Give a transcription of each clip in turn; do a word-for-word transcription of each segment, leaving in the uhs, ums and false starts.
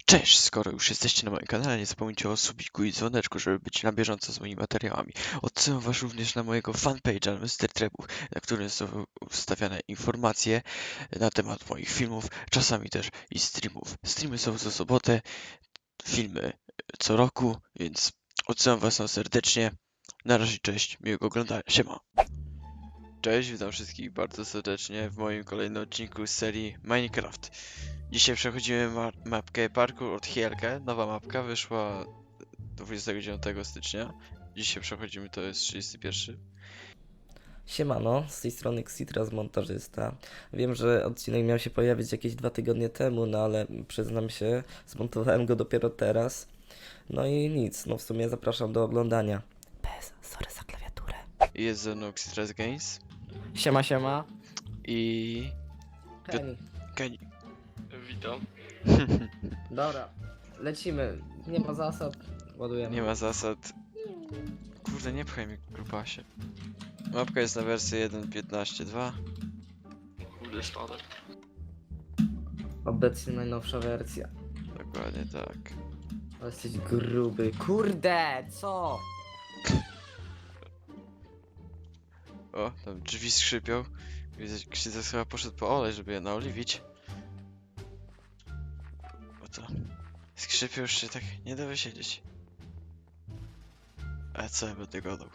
Cześć, skoro już jesteście na moim kanale, nie zapomnijcie o subiku i dzwoneczku, żeby być na bieżąco z moimi materiałami. Odsyłam was również na mojego fanpage'a mister Trebów, na którym są wstawiane informacje na temat moich filmów, czasami też i streamów. Streamy są co sobotę, filmy co roku, więc odsyłam was tam serdecznie. Na razie, cześć, miłego oglądania, siema. Cześć, witam wszystkich bardzo serdecznie w moim kolejnym odcinku z serii Minecraft. Dzisiaj przechodzimy ma mapkę Parkour od Hielkę. Nowa mapka wyszła dwudziestego dziewiątego stycznia. Dzisiaj przechodzimy, to jest trzydziesty pierwszy. Siemano, z tej strony Xitras Montażysta. Wiem, że odcinek miał się pojawić jakieś dwa tygodnie temu, no ale przyznam się, zmontowałem go dopiero teraz. No i nic, no w sumie zapraszam do oglądania. Bez, sorry za klawiaturę. Jest ze mną Xitras Games Siema, siema. i... Kenny. Kenny. Witam. Dobra, lecimy. Nie ma zasad, ładujemy. Nie ma zasad. Kurde, nie pchaj mnie, grubasie. Mapka jest na wersji jeden piętnaście dwa. Kurde, spadek. Obecnie najnowsza wersja. Dokładnie tak. Ale jesteś gruby. Kurde, co? O, tam drzwi skrzypią. Widzę, Xitras chyba poszedł po olej, żeby je naoliwić. O to. Skrzypią, już się tak nie da wysiedzieć. A co ja będę gadał?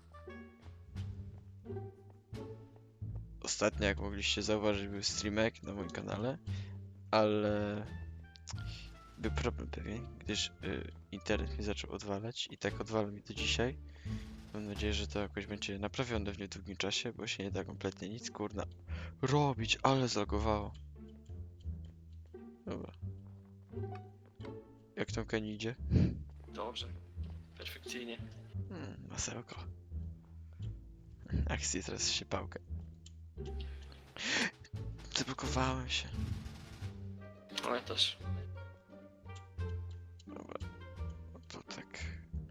Ostatnio, jak mogliście zauważyć, był streamek na moim kanale, ale był problem pewien, gdyż y, internet mi zaczął odwalać i tak odwala mi do dzisiaj. Mam nadzieję, że to jakoś będzie naprawione w niedługim czasie, bo się nie da kompletnie nic, kurna, robić, ale zalogowało. Dobra. Jak tam Kenny idzie? Dobrze. Perfekcyjnie. Hmm, masełko. Akcji teraz się pałkę. Zablokowałem się. Ale też. Dobra. No to tak.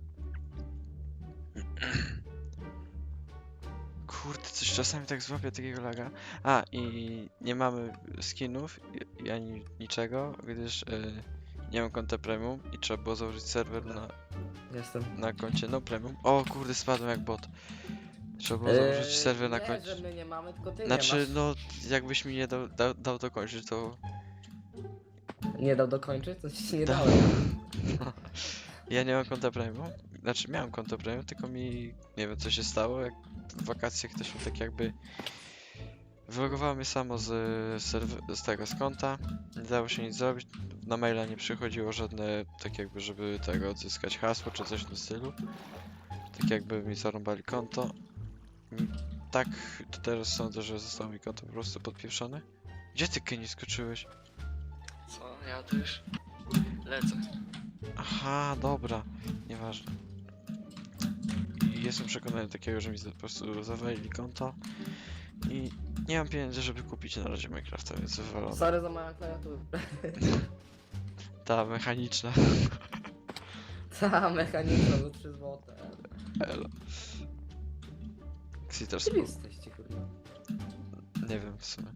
Kurde, coś czasami tak złapię takiego laga. A, i nie mamy skinów i, i ani niczego, gdyż y, nie mam konta premium i trzeba było założyć serwer na, Jestem. na koncie no premium. O kurde, spadłem jak bot. Trzeba było założyć serwer na nie, koncie. że my nie mamy, tylko ty Znaczy, nie masz. no, jakbyś mi nie dał, dał, dał dokończyć, to... Nie dał dokończyć? To ci nie Da- dałem. Ja nie mam konta premium. Znaczy, miałem konto premium, tylko mi... Nie wiem, co się stało, jak w wakacje ktoś mi tak jakby... Wylogowało mnie samo z, serw- z tego, z konta. Nie dało się nic zrobić. Na maila nie przychodziło żadne, tak jakby, żeby tego odzyskać hasło, czy coś w tym stylu. Tak jakby mi zarąbali konto. I tak, to teraz sądzę, że zostało mi konto po prostu podpieprzone. Gdzie ty, Kenny, skoczyłeś? Co? Ja też lecę. Aha, dobra, nieważne. I jestem przekonany takiego, że mi po prostu zawalili konto i nie mam pieniędzy, żeby kupić na razie Minecrafta, więc wywalone. Sorry za moją klawiaturę. Ta mechaniczna. Ta mechaniczna za trzy złote. Elo. Xitras, Gdzie wy jesteście, kurwa? nie wiem w sumie.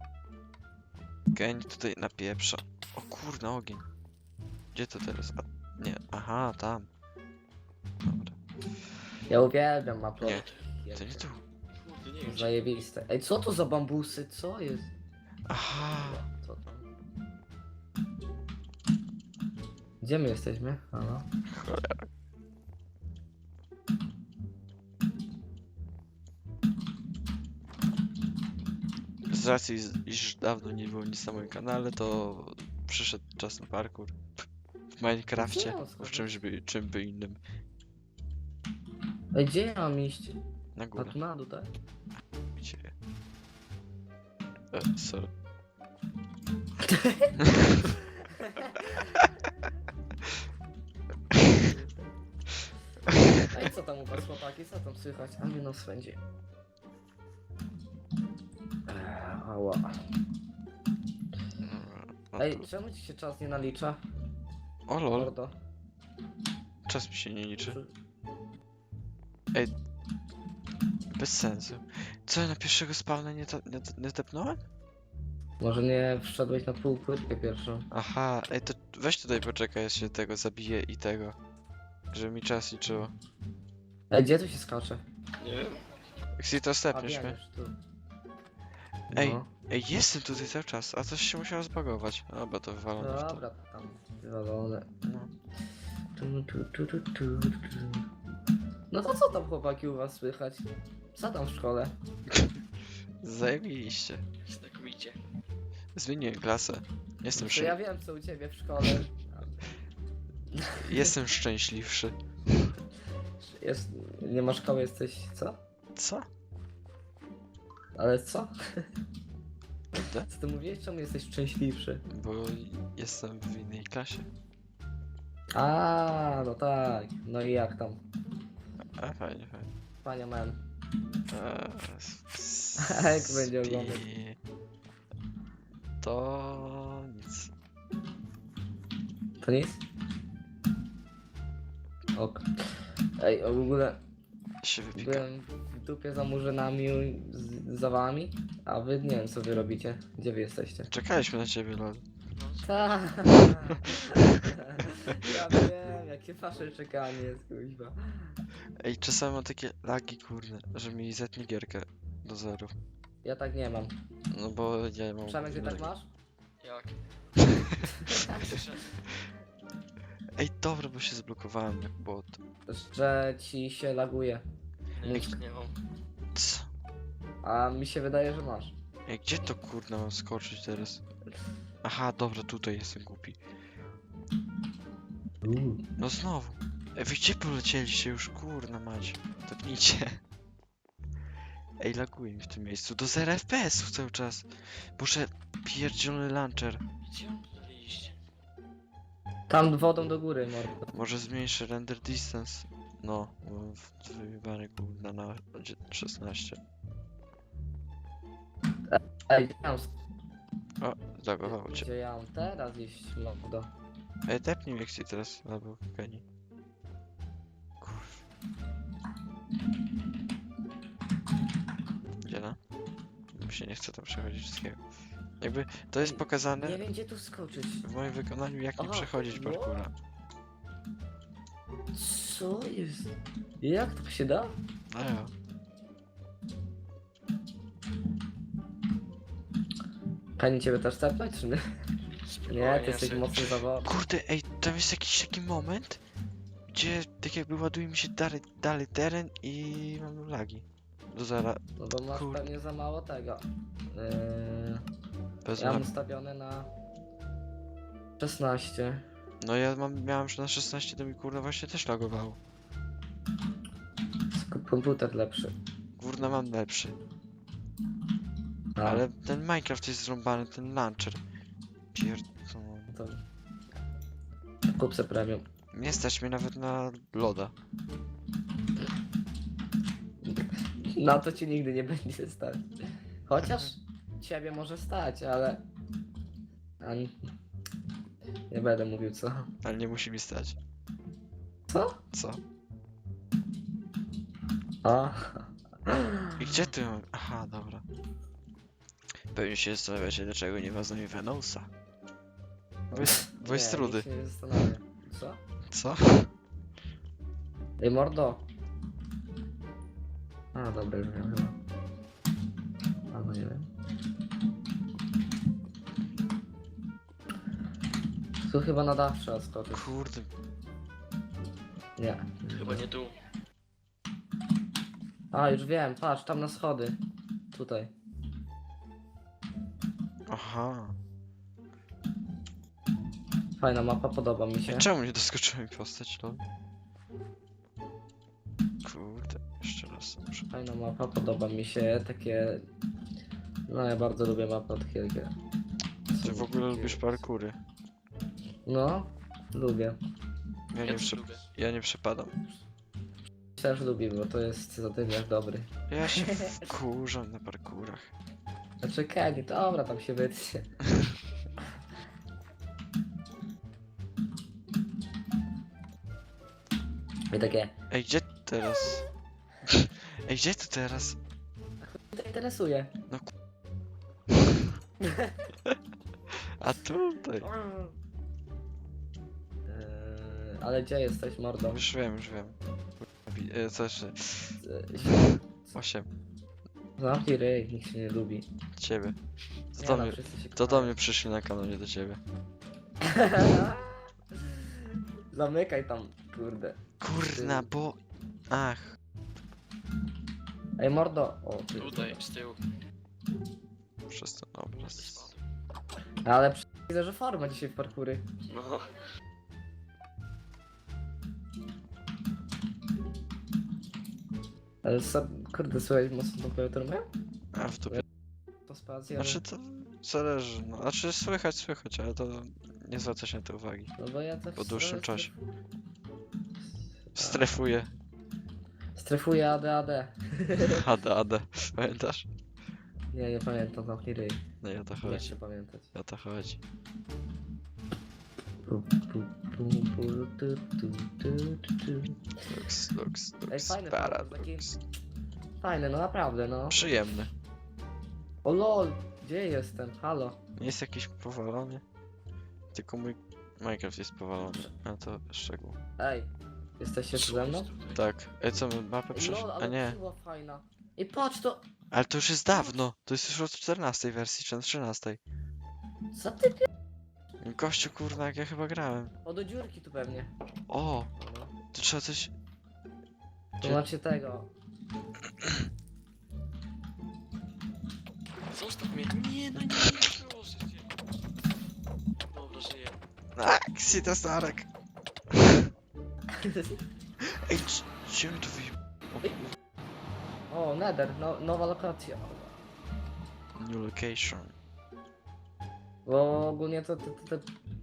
Geń tutaj napieprza. O kurna, ogień. Gdzie to teraz? A, nie, aha, tam. Dobra. Ja uwielbiam mapę. Nie, to nie tu. Kurde, nie wiem, czy... Zajebiste. Ej, co to za bambusy? Co jest? Aha. Co to? Gdzie my jesteśmy? Halo? Cholera. Z racji, z- iż dawno nie było nic na moim kanale, to przyszedł czas na parkour. W Minecrafcie, Gdzie on w czymś by, czym by innym. Ej, gdzie ja mam iść? Na A górę. tu na dół, tak? Gdzie? E, sorry. Ej, co tam u was, chłopaki? Co tam słychać? A mnie no swędzi. Eee, ała. Dobra, no Ej, to... czemu ci się czas nie nalicza? O lol, Mordo. czas mi się nie liczy. Bez sensu. Co, ja na pierwszego spawna nie, ta, nie, nie tepnąłem? Może nie wszedłeś na pół płytkę pierwszą. Aha, ej, to weź tutaj poczekaj, ja się tego zabiję i tego. Żeby mi czas liczyło. Ej, gdzie tu się skacze? Nie wiem. Xi, to A stepniesz mnie. biegniesz tu. Ej, No. ej, jestem tutaj cały czas, a coś się musiało zbagować. Dobra, to wywalone w to. Dobra, tam wywalone. No. Tu, tu, tu, tu, tu, tu. No to co tam chłopaki u was słychać? Co tam w szkole? Zajebiście. Znakomicie. Zmieniłem klasę. Jestem, To szy... ja wiem co u ciebie w szkole. Jestem szczęśliwszy. Jest, nie ma szkoły, jesteś co? Co? Ale co? Prawda? Co ty mówiłeś? Czemu jesteś szczęśliwszy? Bo jestem w innej klasie. A, no tak. No i jak tam? A, fajnie, fajnie. Panie man. Eee, Jak będzie spi- oglądać? To nic. To nic? Ok. Ej, w ogóle Się wypika. byłem w dupie za murzynami z, za wami, a wy nie wiem co wy robicie. Gdzie wy jesteście? Czekaliśmy na ciebie, lol. No, Tak. Ja wiem, jakie wasze czekanie jest, kuźwa. Ej, czasami mam takie lagi, kurde, że mi zetnie gierkę do zero. Ja tak nie mam. No bo ja mam... Przemek, ty tak masz? jak? Przyszedł. Ej, dobra, bo się zblokowałem jak bot. Że ci się laguje. Nie, jeszcze nie mam. Co? A mi się wydaje, że masz. Ej, gdzie to kurna mam skoczyć teraz? Aha, dobra, tutaj jestem głupi. No znowu. Ej, wy gdzie polecieliście już, kurna mać? Topnijcie. Ej, laguje mi w tym miejscu. Do zera F P S-ów cały czas. Muszę pierdzielony launcher. Gdzie on tutaj iść? Tam wodą do góry, mordo. Może zmniejszę render distance. No, bo w- wyjebany kurna na dzie- szesnaście. Ej, gdzie ja mam, O, zagowało cię. gdzie ja mam teraz iść, mordo? Ej, tepnij mnie Xi teraz, albo Kenny. Kurw. Gdzie na? Mi się nie chce tam przechodzić wszystkiego. Jakby to jest Ej, pokazane Nie wiem gdzie tu skoczyć. w moim wykonaniu, jak nie Aha, przechodzić no. parkoura. Co jest? Jak to się da? A ja. Pani ciebie też tepnąć, czy nie? Spokojnie, Nie, ty jesteś sobie- mocny zawodnik. Kurde, ej, tam jest jakiś taki moment, gdzie tak jakby ładuje mi się dalej, dalej teren i mam lagi. Do zera. No bo masz Kurde. pewnie za mało tego. Yy, Bez ja mam map. ustawione na szesnaście. No ja mam, miałem już na szesnaście, to mi kurna właśnie też lagowało. Skup komputer lepszy. Kurna mam lepszy. A, Ale ten Minecraft jest zrąbany, ten launcher. Pierdolony. to... Kup se premium. Nie stać mnie nawet na loda. Na to ci nigdy nie będzie stać. Chociaż ciebie może stać, ale... A nie... nie będę mówił co. Ale nie musi mi stać. Co? Co? A. I gdzie ty mam? Aha, dobra. Pewnie się zastanawiacie, dlaczego nie wezmę mi Venosa. Bo jest, bo jest Nie, rudy. nikt się nie zastanawia. Co? Co? Ej, mordo. A, dobra, już wiem chyba. Albo nie wiem. Tu chyba na dach trzeba skoczyć. Kurde. Nie. Chyba nie tu. A, już wiem, patrz, tam na schody. Tutaj. Aha. Fajna mapa, podoba mi się. Czemu nie doskoczyła mi postać, lol? Kurde, jeszcze raz muszę. Fajna mapa, podoba mi się. Takie... No, ja bardzo lubię mapy takie... takie- Ty w ogóle takie- lubisz parkury. No, lubię. Ja nie, Ja też przy... lubię. ja nie przepadam. Też lubię, bo to jest zadymiarz dobry. Ja się wkurzam na parkurach. Znaczy Kenny, dobra, tam się wytnie. I takie, Ej, gdzie teraz? Ej, gdzie ty teraz? to interesuje. No A tutaj. Eee, ale gdzie jesteś, mordo? Już wiem, już wiem. Wi- e, Co jeszcze? Eee, Osiem. Zamknij ryj, nikt się nie lubi. Ciebie. To Nie do no, mnie, wszyscy się to do kochają. mnie przyszli na kanał, nie do ciebie. Zamykaj tam, kurde. Kurna, bo... Ach. Ej, mordo. O, ty. Tutaj, z tyłu. Przez ten obraz. Ale przy... widzę, że forma dzisiaj w parkury. No. Ale co, kurde, słuchaj, mocno tą klawiaturę mają? A w dupie. To spacja, ale... Znaczy to zależy, no. Znaczy słychać, słychać, ale to nie zwraca się na to uwagi. No bo ja tak po dłuższym stref- czasie. Strefuję. Strefuję A D A D. A D A D. Pamiętasz? Nie, nie pamiętam, zamknij ryj. No i o to Nie chodzi. chcę pamiętać. O to chodzi. Pu, pu, pu, pu, tu, tu, tu, tu, tu. Lux, lux, Ej, lux, fajny paradox. Fajne, no naprawdę, no. Przyjemny. O lol, gdzie jestem? Halo. Nie jest jakiś powalony. Tylko mój Minecraft jest powalony. A to szczegół. Ej, jesteście tu ze mną? Tak. Ej, co my mapę Ej, przeszli? lol, A ale nie. była fajna. I patrz to... Ale to już jest dawno. To jest już od czternastej wersji, czy od trzynastej. Co ty pi... Gościu kurna, jak ja chyba grałem. O, do dziurki tu pewnie. O, No, to trzeba coś... to Gdzie- macie tego. Zostaw mnie. Nie, no nie, nie, proszę cię. Dobra, żyję. A, Ksita Starek. Ej, c- gdzie mi to wyjeb... O, Nether, no, nowa lokacja. New location. Bo ogólnie to te, te, te,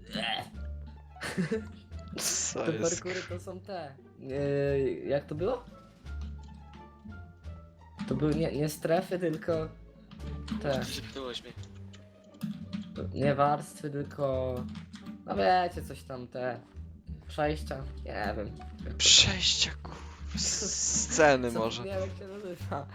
Co te jest? parkury to są te. Yy, jak to było? To były nie, nie strefy, tylko te. Przypnąłeś mnie. Nie warstwy, tylko. No wiecie, coś tam te. Przejścia. Nie wiem. Przejścia kur... Sceny może. Nie wiem jak się nazywa.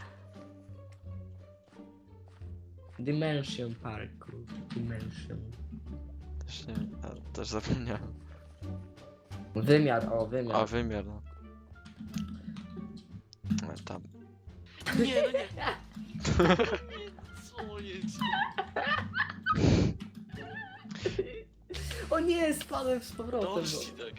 Dimension Parku. Dimension. Też nie wiem, a, też zapomniałem. Wymiar, o wymiar. A, wymiar no. No, tam. Nie, no nie. Co jest? O nie, spadłem z powrotem. Dobrze Bo... ci tak.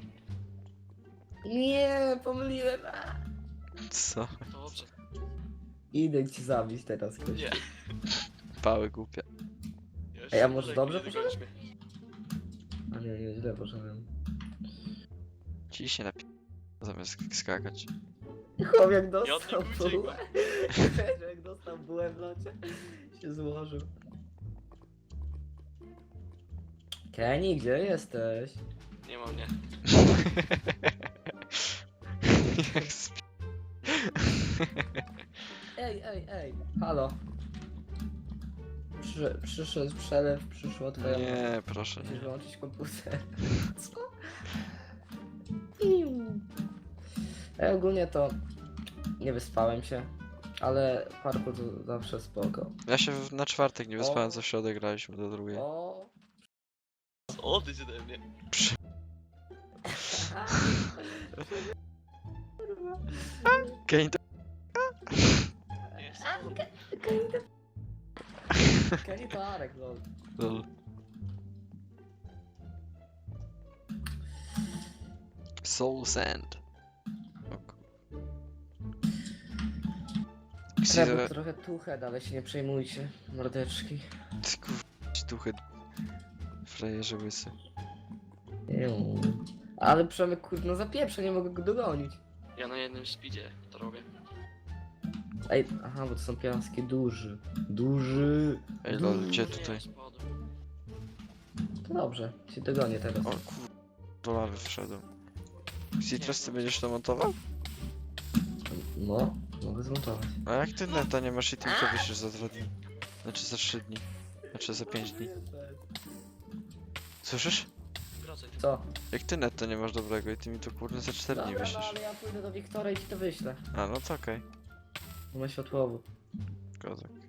Nie, pomyliłem. A. Co? Dobrze. Idę cię zabić teraz, ktoś. Nie. Pały głupie. Ja Ej, a się może nie dobrze dogonisz mnie. A nie, nie, źle poszedłem. Ci się napi... Zamiast sk- skakać. Chłop jak Ja dostał od niego bułę. uciekłem. Jak dostał bułę w locie, się złożył. Kenny, gdzie jesteś? Nie ma mnie. Jak sp... Ej, ej, ej, halo. Przy, przyszedł przelew, przyszła twoja mama. Nie, proszę Musisz nie. wyłączyć komputer. Co? Iu. Ej, ogólnie to nie wyspałem się, ale parkour to zawsze spoko. Ja się w- na czwartek nie wyspałem, O. co w środę graliśmy do drugiej. O. Odejdź ode mnie. Przy... Kane to... Nie, Kenny to Arek, lol. Lol. Soul Sand. O ku- Trzeba Ksida... trochę tuchet, ale się nie przejmujcie, mordeczki. Ty kur... duchy... Frajerze łysy. Iu. Ale Przemek kurde, no zapieprze, nie mogę go dogonić. Ja na jednym speedzie to robię. Ej, aha, bo to są piaskie duży. Duży. Ej lol, gdzie Nie, tutaj? spadłem. To dobrze, się dogonię teraz. O kur... Do lawy wszedłem. Citrus, ty będziesz to montował? No, mogę zmontować. A jak ty neta nie masz i tym to wyślesz za dwa dni? Znaczy za trzy dni. Znaczy za pięć dni. Słyszysz? Wracaj. Co? Jak ty neta nie masz dobrego i ty mi to kurde za cztery dni Dobra, no wyślesz. ale ja pójdę do Wiktora i ci to wyślę. A no to okej. Bo ma światłowód. Kozak.